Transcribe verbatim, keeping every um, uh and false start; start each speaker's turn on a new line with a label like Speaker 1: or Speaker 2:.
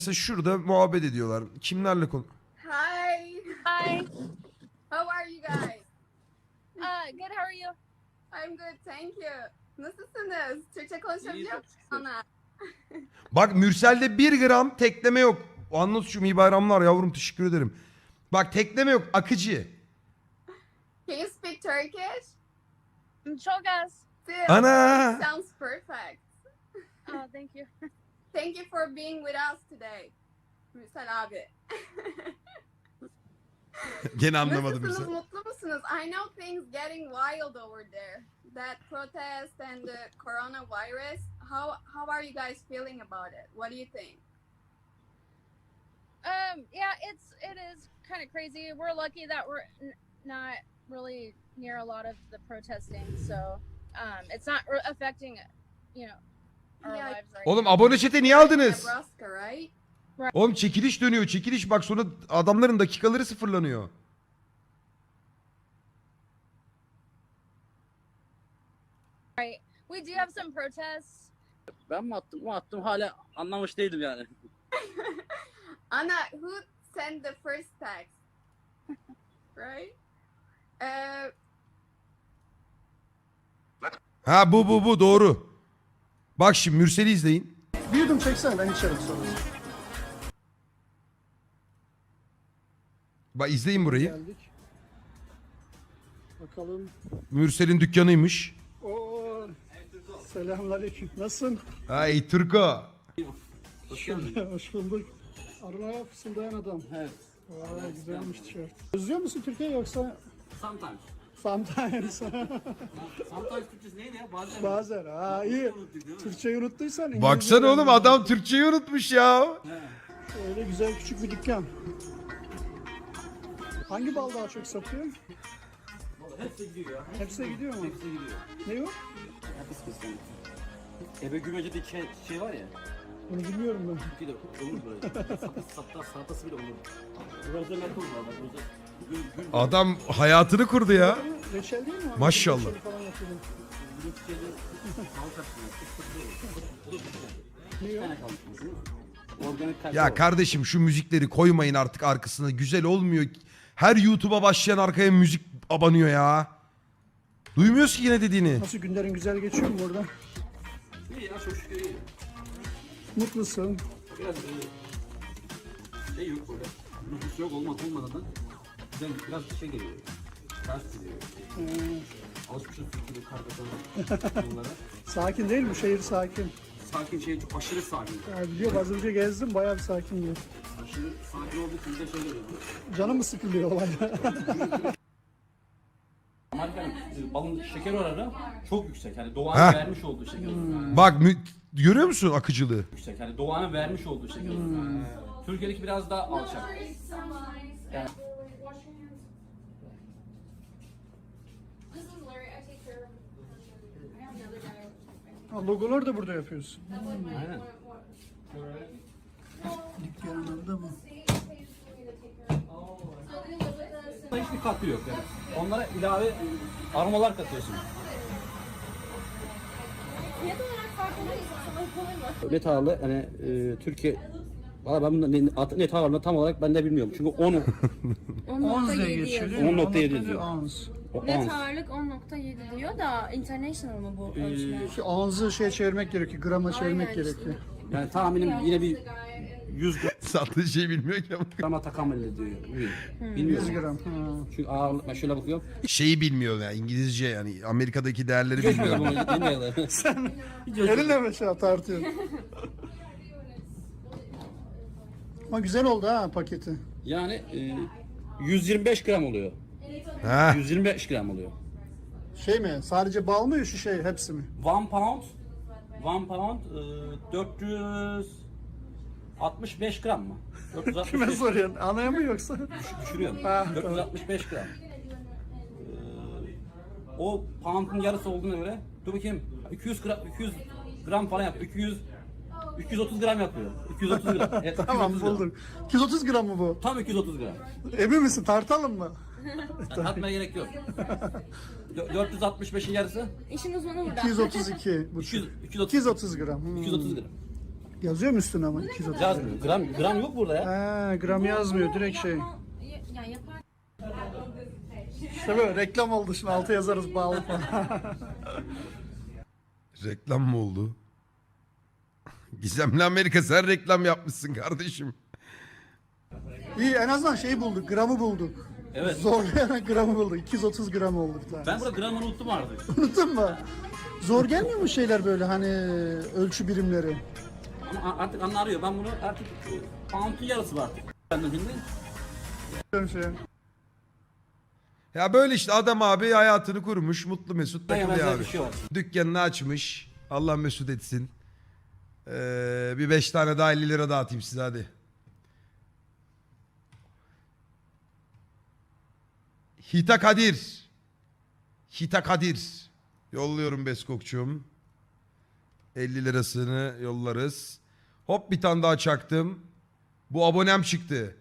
Speaker 1: Mesela şurada muhabbet ediyorlar. Kimlerle konu?
Speaker 2: Hi.
Speaker 3: Hi.
Speaker 2: How are you guys?
Speaker 3: Uh, good. How are you?
Speaker 2: I'm good, thank you. Nasılsınız? Türkçe konuşabiliyor musun bana?
Speaker 1: Bak Mürsel'de bir gram tekleme yok. Anlat şu iyi bayramlar yavrum, teşekkür ederim. Bak tekleme yok, akıcı.
Speaker 2: Can you speak Turkish?
Speaker 3: Çok az.
Speaker 2: Still,
Speaker 1: Ana.
Speaker 2: sounds perfect.
Speaker 3: Oh, thank you.
Speaker 2: Thank you for being with us today. Mürsel abi.
Speaker 1: Gene anlamadım
Speaker 2: Nasılsınız,
Speaker 1: Mürsel.
Speaker 2: mutlu musunuz? I know things getting wild over there. That protest and the coronavirus. How how are you guys feeling about it? What do you think?
Speaker 3: Um, yeah, it's it is kind of crazy. We're lucky that we're n- not really near a lot of the protesting, so um, it's not re- affecting, you know, our
Speaker 2: Yeah.
Speaker 3: lives right
Speaker 1: Oğlum
Speaker 3: now.
Speaker 1: abone chat'e niye aldınız?
Speaker 2: Nebraska, right?
Speaker 1: Oğlum çekiliş dönüyor, çekiliş bak, sonra adamların dakikaları sıfırlanıyor.
Speaker 3: Right. We do have some protests.
Speaker 4: Ben mi attım mı attım hala anlamış değilim yani.
Speaker 2: Anna, who sent the first text? Right? Uh,
Speaker 1: Ha bu bu bu doğru. Bak şimdi Mürsel'i izleyin.
Speaker 5: Bir yudum çeksene, ben içerim sonra.
Speaker 1: Bak izleyin burayı.
Speaker 5: Geldik. Bakalım.
Speaker 1: Mürsel'in dükkanıymış.
Speaker 5: Oo. Selamünaleyküm. Nasılsın?
Speaker 1: Ay Turko.
Speaker 4: Hoş geldin.
Speaker 5: Hoş bulduk. Arına fısıldayan adam.
Speaker 4: Evet.
Speaker 5: Vay güzelmiş tişört. Özlüyor musun Türkiye yoksa?
Speaker 4: Sometimes.
Speaker 5: Sometimes.
Speaker 4: Sometimes Türkçesi neydi ya? Bazen.
Speaker 5: Bazen. Ha iyi. Türkçeyi unuttuysan. İngilizce
Speaker 1: Baksana oğlum,
Speaker 5: öğren.
Speaker 1: adam Türkçeyi unutmuş ya.
Speaker 5: Öyle güzel küçük bir dükkan. Hangi bal daha çok satıyor?
Speaker 4: Hepsi gidiyor ya.
Speaker 5: Hepsi gidiyor mu?
Speaker 4: Hepsi gidiyor.
Speaker 5: Ne o?
Speaker 4: Hepsi kesin. Ebe Gümece'de şey, şey var ya.
Speaker 5: Bunu bilmiyorum ben.
Speaker 4: Bir de olur böyle. Salatası, salatası, salatası bile olur. Burada ne olur valla. Burada gül, gül,
Speaker 1: Adam hayatını kurdu ya.
Speaker 5: Reçel değil mi?
Speaker 1: Maşallah.
Speaker 5: Reçeli falan yapıyordum.
Speaker 4: gül çiçeği, salatası. Bu da bir
Speaker 5: Ne
Speaker 4: Bir
Speaker 5: o?
Speaker 4: tane kalmış bizim. Organik kalite
Speaker 1: Ya
Speaker 4: var.
Speaker 1: kardeşim şu müzikleri koymayın artık arkasına. Güzel olmuyor. Her YouTube'a başlayan arkaya müzik abanıyor ya. Duymuyoruz ki yine dediğini.
Speaker 5: Nasıl günlerin güzel geçiyor mu burada?
Speaker 4: İyi ya çok şükür iyi.
Speaker 5: Mutlusun.
Speaker 4: Biraz e, şey yok böyle. Nüfus yok olmaz olmadan da güzel biraz şey geliyor. Ters geliyor.
Speaker 5: Ee,
Speaker 4: Alışmışız Türkiye'de karda yollara.
Speaker 5: sakin değil mi? Şehir sakin.
Speaker 4: Sakin şey çok aşırı sakin.
Speaker 5: Ya biliyorum az önce gezdim bayağı bir sakin diyor.
Speaker 4: Aşırı sakin olduğu için de şey oluyor.
Speaker 5: Canım mı sıkılıyor olayda?
Speaker 4: Amerika'nın e, balın şeker oranı çok yüksek. Yani
Speaker 1: Heh.
Speaker 4: doğanın vermiş olduğu şeker oranı.
Speaker 1: Bak mü- görüyor musun akıcılığı?
Speaker 4: Yüksek. Yani doğanın vermiş olduğu şeker oranı. Türkiye'deki biraz daha alçak. Yani
Speaker 5: Ha, logolar da burada yapıyorsun.
Speaker 4: aynen.
Speaker 5: Dükkanında mı?
Speaker 4: Hiçbir katkı yok yani. Onlara ilave aromalar katıyorsun.
Speaker 3: Fiyat olarak farklı mı?
Speaker 4: Net ağırlığı hani e, Türkiye valla ben bunu ne- at- net ağırlığını tam olarak ben de bilmiyorum. Çünkü onu
Speaker 5: Ons diye geçiyor değil mi?
Speaker 4: on nokta yedi
Speaker 5: On
Speaker 4: diyor.
Speaker 5: Ons.
Speaker 4: o
Speaker 6: Net
Speaker 4: ounce.
Speaker 6: ağırlık on nokta yedi diyor da international mı bu ölçüler?
Speaker 5: Şu onzu şey çevirmek gerekiyor, grama çevirmek
Speaker 6: Aynen işte.
Speaker 5: gerekiyor.
Speaker 4: Yani tahminim yine bir yüz
Speaker 1: Sattığı şey bilmiyor ki ama.
Speaker 4: grama takamül ediyor.
Speaker 5: yüz
Speaker 4: Bilmiyorum.
Speaker 5: gram. Ha.
Speaker 4: Çünkü ağırlık ben şöyle bakıyorum.
Speaker 1: Şeyi bilmiyor ya, İngilizce yani Amerika'daki değerleri bilmiyor.
Speaker 5: Elinle mi şey tartıyor? Ama güzel oldu ha paketi.
Speaker 4: Yani e, yüz yirmi beş gram oluyor.
Speaker 1: Ha.
Speaker 4: yüz yirmi beş gram oluyor.
Speaker 5: Şey mi? Sadece bal mı şu şey hepsi mi?
Speaker 4: One pound one pound e, dört yüz altmış beş gram mı? dört yüz altmış
Speaker 5: Kime
Speaker 4: beş
Speaker 5: soruyorsun? Anaya mı yoksa?
Speaker 4: düşürüyorum.
Speaker 5: Ha,
Speaker 4: dört yüz altmış beş gram. Ee, o pound'un yarısı olduğuna göre dur bakayım iki yüz gram iki yüz gram falan yapıyor. iki yüz iki yüz otuz gram yapıyor. iki yüz otuz gram. Evet,
Speaker 5: Tamam
Speaker 4: iki yüz otuz gram.
Speaker 5: bulduk. iki yüz otuz gram mı bu?
Speaker 4: Tam iki yüz otuz gram.
Speaker 5: Emin misin? Tartalım mı?
Speaker 4: Atmaya gerek yok. Dö- dört yüz altmış beşin yarısı
Speaker 6: İşin uzmanı burada.
Speaker 5: iki yüz otuz iki.
Speaker 4: iki yüz, iki yüz
Speaker 5: iki yüz otuz gram. Hmm.
Speaker 4: iki yüz otuz gram.
Speaker 5: Yazıyor mu üstüne ama iki yüz otuz?
Speaker 4: Yazmıyor. Gram, gram yok burada ya.
Speaker 5: Ha, gram yazmıyor direkt şey.
Speaker 6: Yani yapar.
Speaker 5: İşte böyle reklam oldu şimdi altı yazarız bağlı falan.
Speaker 1: Reklam mı oldu? Gizemli Amerika sen reklam yapmışsın kardeşim.
Speaker 5: İyi en azından şey bulduk gramı bulduk.
Speaker 4: Evet.
Speaker 5: Zorlayarak gramı bulduk. iki yüz otuz gram oldu bir tane.
Speaker 4: Ben burada gramını unuttum artık.
Speaker 5: Unuttun mu? Zor gelmiyor mu şeyler böyle hani ölçü birimleri?
Speaker 4: Ama artık anne arıyor. Ben bunu artık pound'un yarısı var artık. Ben de şimdi.
Speaker 5: Şey.
Speaker 1: Ya böyle işte adam abi hayatını kurmuş. Mutlu mesut takılıyor
Speaker 4: benzer
Speaker 1: abi.
Speaker 4: bir şey var.
Speaker 1: Dükkanını açmış. Allah mesut etsin. Ee, bir beş tane daha elli lira dağıtayım size hadi. Hita Kadir. Hita Kadir. Yolluyorum Beskokçum. elli lirasını yollarız. Hop bir tane daha çaktım. Bu abonem çıktı.